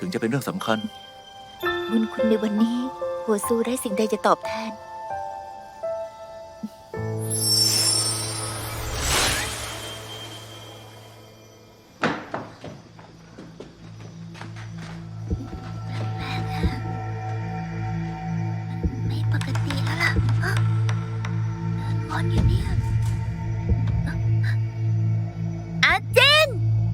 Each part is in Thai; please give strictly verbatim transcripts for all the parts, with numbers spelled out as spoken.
งจะเป็นเรื่องสำคัญบุญคุณในวันนี้หัวซูได้สิ่งใดจะตอบแทนไม่ปกติแล้วล่ะงอนอยู่เนี่ยอาเจน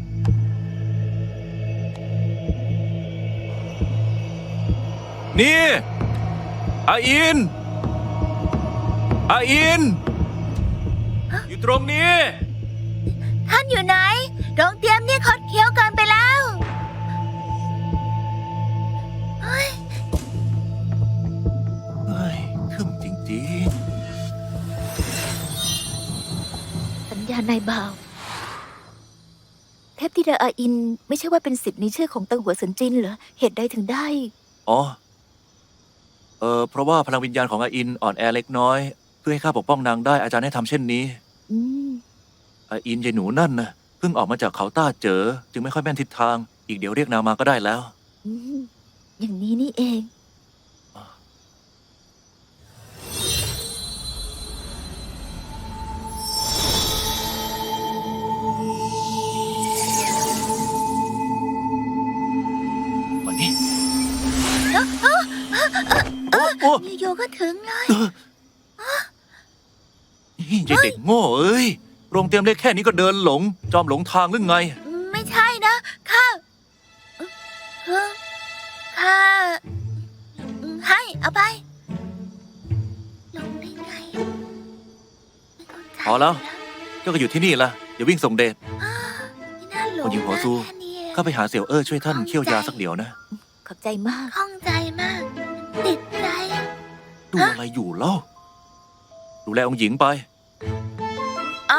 นี่อาอินอาอินอยู่ตรงนี้ท่านอยู่ไหนโรงเตรียมนี่คดเคี้ยวเกินไปแล้วเฮ้ยเฮ้ยทึ่มจริงๆสัญญาณายบ่าวเทพธิดาอาอินไม่ใช่ว่าเป็นสิทธิ์ในชื่อของตังหัวสันจินเหรอเหตุใดถึงได้อ๋อเออเพราะว่าพลังวิญญาณของอาอินอ่อนแอเล็กน้อยเพื่อให้ข้าปกป้องนางได้อาจารย์ให้ทำเช่นนี้อืมอาอินยายหนูนั่นนะเพิ่งออกมาจากเขาต้าเจอจึงไม่ค่อยแม่นทิศทางอีกเดี๋ยวเรียกนางมาก็ได้แล้วอืมอย่างนี้นี่เองวันนี้อยู่ๆก็ถึงเลยนี่ยายเด็กโง่เอ้ยโรงเตรียมเล็กแค่นี้ก็เดินหลงจอมหลงทางหรือไงไม่ใช่นะข้าข้าให้เอาไปลงได้ไงพอแล้วเจ้าก็อยู่ที่นี่ละอย่าวิ่งส่งเดชคนหญิงหัวซูข้าไปหาเสี่ยวเอ้อช่วยท่านเคี่ยวยาสักเดี๋ยวนะขอบใจมากข้องใจมากติดใจดูอะไรอยู่เล่าดูแลองค์หญิงไปอ๋อ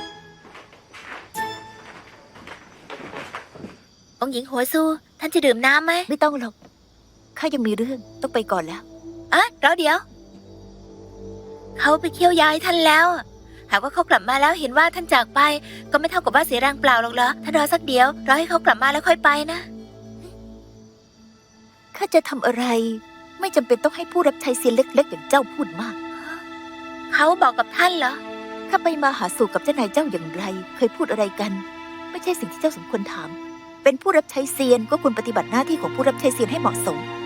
องค์หญิงหัวซูท่านจะดื่มน้ำไหมไม่ต้องหรอกข้ายังมีเรื่องต้องไปก่อนแล้วอ่ะรอเดี๋ยวเขาไปเคี่ยวยาให้ท่านแล้วหากว่าเขากลับมาแล้วเห็นว่าท่านจากไปก็ไม่เท่ากับว่าเสียแรงเปล่าหรอกเหรอท่านรอสักเดี๋ยวรอให้เขากลับมาแล้วค่อยไปนะข้าจะทำอะไรไม่จำเป็นต้องให้ผู้รับใช้เซียนเล็กๆอย่างเจ้าพูดมากเขาบอกกับท่านเหรอข้าไปมาหาสู่กับเจ้านายเจ้าอย่างไรเคยพูดอะไรกันไม่ใช่สิ่งที่เจ้าสมควรถามเป็นผู้รับใช้เซียนก็ควรปฏิบัติหน้าที่ของผู้รับใช้เซียนให้เหมาะสม